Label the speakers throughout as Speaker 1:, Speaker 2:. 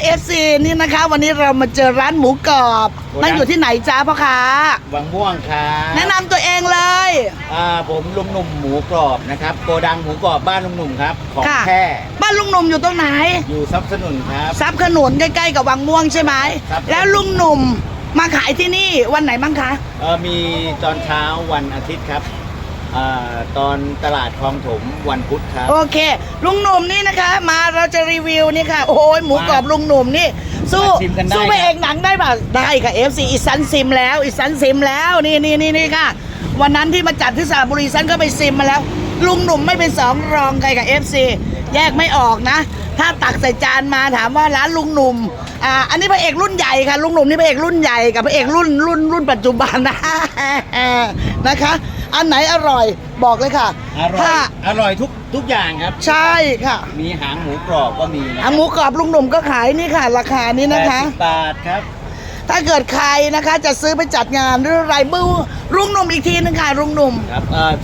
Speaker 1: FC นี่นะคะวันนี้เรามาเจอร้านหมูกรอบนั่งอยู่ที่ไหนจ้าพ่อค้า
Speaker 2: วังม่วงครับ
Speaker 1: แนะนำตัวเองเลย
Speaker 2: ผมลุงหนุ่มหมูกรอบนะครับโกดังหมูกรอบบ้านลุงหนุ่มครับของแท้
Speaker 1: บ้านลุงหนุ่มอยู่ตรงไหน
Speaker 2: อยู่ซับขนุนครับ
Speaker 1: ซับขนุนใกล้ๆกับวังม่วงใช่ไหมแล้วลุงหนุ่มมาขายที่นี่วันไหนบ้างคะ
Speaker 2: มีตอนเช้าวันอาทิตย์ครับตอนตลาดคลองถมวันพุธครับ
Speaker 1: โอเคลุงหนุ่มนี่นะคะมาเราจะรีวิวนี่ค่ะโอ้ยหมูกรอบลุงหนุ่มนี่สู้ไปเอกหนังได้ป่ะได้ค่ะ FC อีสันซิมแล้วอีสันซิมแล้วนี่ค่ะวันนั้นที่มาจัดที่สระบุรีสันก็ไปซิมมาแล้วลุงหนุ่มไม่เป็นสองรองใครกับ FC แยกไม่ออกนะถ้าตักใส่จานมาถามว่าร้านลุงหนุ่มอันนี้พระเอกรุ่นใหญ่ค่ะลุงหนุ่มนี่พระเอกรุ่นใหญ่กับพระเอกรุ่นปัจจุบันนะนะคะอันไหนอร่อยบอกเลยค่ะ
Speaker 2: อร่อยทุกอย่างครับ
Speaker 1: ใช่ค่ะ
Speaker 2: มีหางหมูกรอบก็มี
Speaker 1: หางหมูกรอบลุงหนุ่มก็ขายนี่ค่ะราคานี้นะคะ
Speaker 2: 80 บาทครับ
Speaker 1: ถ้าเกิดใครนะคะจะซื้อไปจัดงานหรืออะไรบื้อลุงหนุ่มอีกทีนึงค่ะลุงหนุ่ม
Speaker 2: ครับ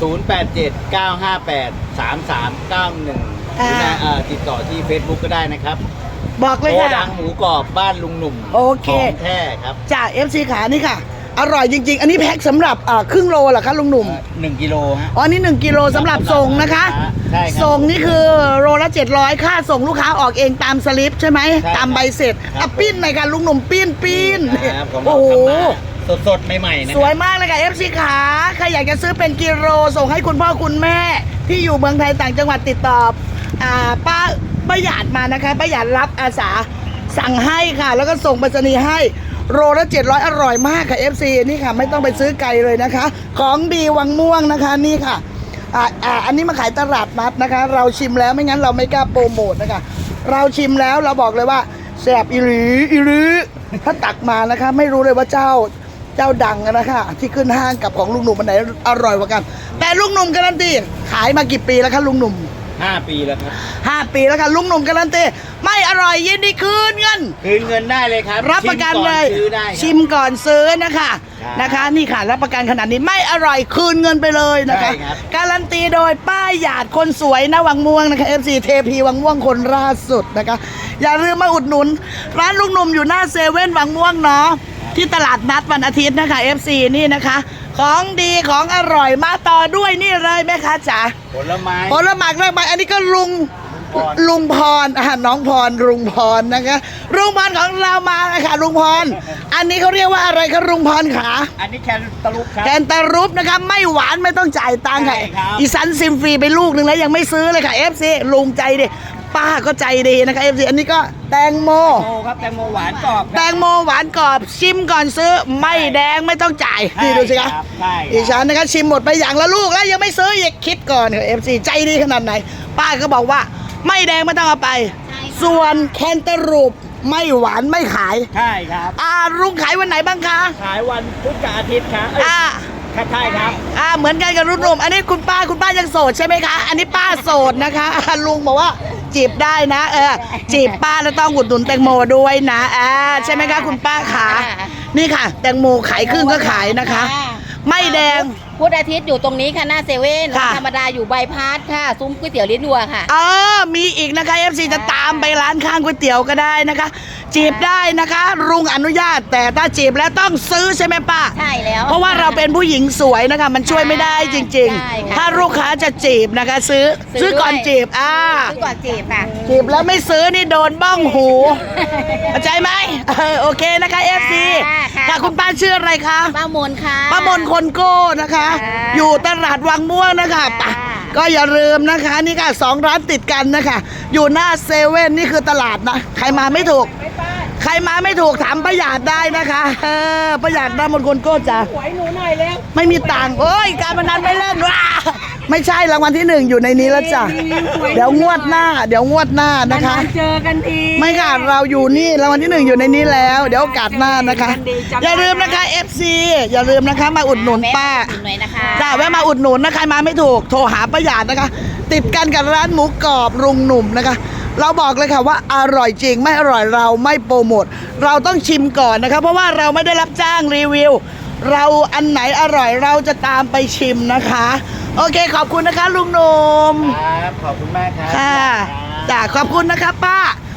Speaker 2: 0879583391ติดต่อที่ Facebook ก็ได้นะครับ
Speaker 1: บอกเลยค่ะ
Speaker 2: โกดังหมูกรอบบ้านลุงหนุ่ม
Speaker 1: โอเค
Speaker 2: ของแท้ครับ
Speaker 1: จาก FC ขานี่ค่ะอร่อยจริงๆอันนี้แพ็คสำหรับครึ่งโลเหรอคะลุงหนุ่ม
Speaker 2: 1 กิโลฮะ
Speaker 1: อ๋อนี่1 กิโลสำหรับส่งนะคะ
Speaker 2: ใช่ครับ
Speaker 1: ส่งนี่คือโลละ700ค่าส่งลูกค้าออกเองตามสลิปใช่ไหมตามใบเสร็จปิ้นหน่อยค่ะลุงหนุ่มปิ้น
Speaker 2: โอ้โหสดใหม่ๆนะ
Speaker 1: สวยมากเลยค่ะ FC ขาใครอยากจะซื้อเป็นกิโลส่งให้คุณพ่อคุณแม่ที่อยู่เมืองไทยต่างจังหวัดติดต่อป้าหยาดมานะคะป้าหยาดรับอาสาสั่งให้ค่ะแล้วก็ส่งไปรษณีย์ให้โลละ700อร่อยมากค่ะ FC นี่ค่ะไม่ต้องไปซื้อไกลเลยนะคะของดีวังม่วงนะคะนี่ค่ะอันนี้มาขายตลาดนัดนะคะเราชิมแล้วไม่งั้นเราไม่กล้าโปรโมทนะคะเราชิมแล้วเราบอกเลยว่าแซ่บอีหลีถ้าตักมานะคะไม่รู้เลยว่าเจ้าดังนะคะที่ขึ้นห้างกับของลุงหนุ่มอันไหนอร่อยกว่ากันแต่ลุงหนุ่มการันตีขายมากี่ปีแล้วคะลุงหนุ่ม
Speaker 2: 5 ปีแล้วครับ
Speaker 1: 5 ปีแล้วค่ะลุงหนุ่มการันตีไม่อร่อยยินดีคืนเงิ
Speaker 2: นได้เลยครับ
Speaker 1: รับประกันเลยชิมก่อนซื้อนะคะนี่ค่ะรับประกันขนาดนี้ไม่อร่อยคืนเงินไปเลยนะคะการันตีโดยป้าหยาดคนสวยนะวังม่วงนะคะ FC เทพีวังม่วงคนล่าสุดนะคะอย่าลืมมาอุดหนุนร้านลุงหนุ่มอยู่หน้าเซเว่นวังม่วงเนาะที่ตลาดนัดวันอาทิตย์นะคะ FC นี่นะคะของดีของอร่อยมาต่อด้วยนี่เลยแม่ค้าจ๋า
Speaker 2: ผลไม้
Speaker 1: เรื่องใบอันนี้ก็ลุงพรน้องพรลุงพรนะคะลุงพรของเรามาค่ะลุงพรอันนี้เขาเรียกว่าอะไรคะลุงพรขา
Speaker 2: อันนี้แคนตาลูปครับ
Speaker 1: แคนตาลูปนะคะไม่หวานไม่ต้องจ่ายตังค์ค่ะอีสันซิมฟรีไปลูกนึงแล้วยังไม่ซื้อเลยค่ะ FC ลุงใจดิป้าก็ใจดีนะคะ FC อันนี้ก็แตงโม
Speaker 2: ครับแตงโมหวานกรอบ
Speaker 1: แตงโมหวานกรอบชิมก่อนซื้อไม่แดงไม่ต้องจ่ายนี่ดูสิคะอีฉันนะคะชิมหมดไปอย่างละลูกแล้วยังไม่ซื้ออีกคิดก่อนค่ะ FC ใจดีขนาดไหนป้าก็บอกว่าไม่แดงไม่ต้องเอาไปส่วนแคนตาลูปไม่หวานไม่ขาย
Speaker 2: ใช่ครับ
Speaker 1: ลุงขายวันไหนบ้างคะ
Speaker 2: ขายวันพุธกับอาทิตย์ครับใช่ครับ
Speaker 1: เหมือนกันกับรุ่นหนุ่มอันนี้คุณป้ายังโสดใช่ไหมคะอันนี้ป้าโสดนะคะลุงบอกว่าจีบได้นะจีบป้าแล้วต้องอุดหนุนแตงโมด้วยนะใช่ไหมคะคุณป้าขานี่ค่ะแตงโมขายครึ่งก็ขายนะคะไม่แดง
Speaker 3: พุธอาทิตย์อยู่ตรงนี้ค่ะหน้าเซเว่นธรรมดาอยู่ใบพัดค่ะซุ้มก๋วยเตี๋ยวลิ้นวัวค่ะ
Speaker 1: มีอีกนะคะ FC จะตามไปร้านข้างก๋วยเตี๋ยวก็ได้นะคะจีบได้นะคะลุงอนุญาตแต่ถ้าจีบแล้วต้องซื้อใช่ไหมป้า
Speaker 3: ใช่แล้ว
Speaker 1: เพราะว่าเราเป็นผู้หญิงสวยนะคะมันช่วยไม่ได้จริงๆถ้าลูกค้าจะจีบนะคะซื้อก่อนจีบ
Speaker 3: ซื้อก่อนจีบค่ะ
Speaker 1: จีบแล้วไม่ซื้อนี่โดนบ้องหูเข้าใจไหมโอเคนะคะ FC ค่ะคุณป้าชื่ออะไรคะ
Speaker 3: ป้ามนค่ะ
Speaker 1: ป้ามนคนโก้นะคะอยู่ตลาดวังม่วงนะคะก็อย่าลืมนะคะนี่ค่ะ2 ร้านติดกันนะคะอยู่หน้าเซเว่นนี่คือตลาดนะใครมาไม่ถูกถามป้าหยาดได้นะคะป้าหยาดได้มนคนโก้จ้ะ
Speaker 3: หวยหนูหน่อยแล้ว
Speaker 1: ไม่มีตังค์การพนันไม่เล่นว้าไม่ใช่รางวัลที่1อยู่ในนี้แล้วจ้ะเดี๋ยวงวดหน้านะคะ
Speaker 3: เจอกันที
Speaker 1: ไม่ค่ะเราอยู่นี่รางวัลที่1อยู่ในนี้แล้วเดี๋ยวโอกาสหน้านะคะอย่าลืมนะคะ FC อย่าลืมนะคะมาอุดหนุนป้าจ้าแวะมาอุดหนุนนะใครมาไม่ถูกโทรหาป้าหยาดนะคะติดกันกับร้านหมูกรอบลุงหนุ่มนะคะเราบอกเลยค่ะว่าอร่อยจริงไม่อร่อยเราไม่โปรโมทเราต้องชิมก่อนนะคะเพราะว่าเราไม่ได้รับจ้างรีวิวเราอันไหนอร่อยเราจะตามไปชิมนะคะโอเคขอบคุณนะคะลุงหนุ่ม
Speaker 2: ครับขอบคุณมากครับ
Speaker 1: ค่ะจ้าขอบคุณนะคะป้า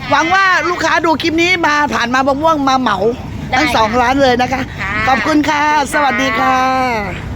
Speaker 1: หวังว่าลูกค้าดูคลิปนี้มาผ่านมาบางม่วงมาเหมาทั้ง 2 ร้านเลยนะคะ
Speaker 3: ค่ะ
Speaker 1: ขอบคุณค่ะ
Speaker 3: ขอบคุณค่ะ
Speaker 1: สวัสดีค่ะ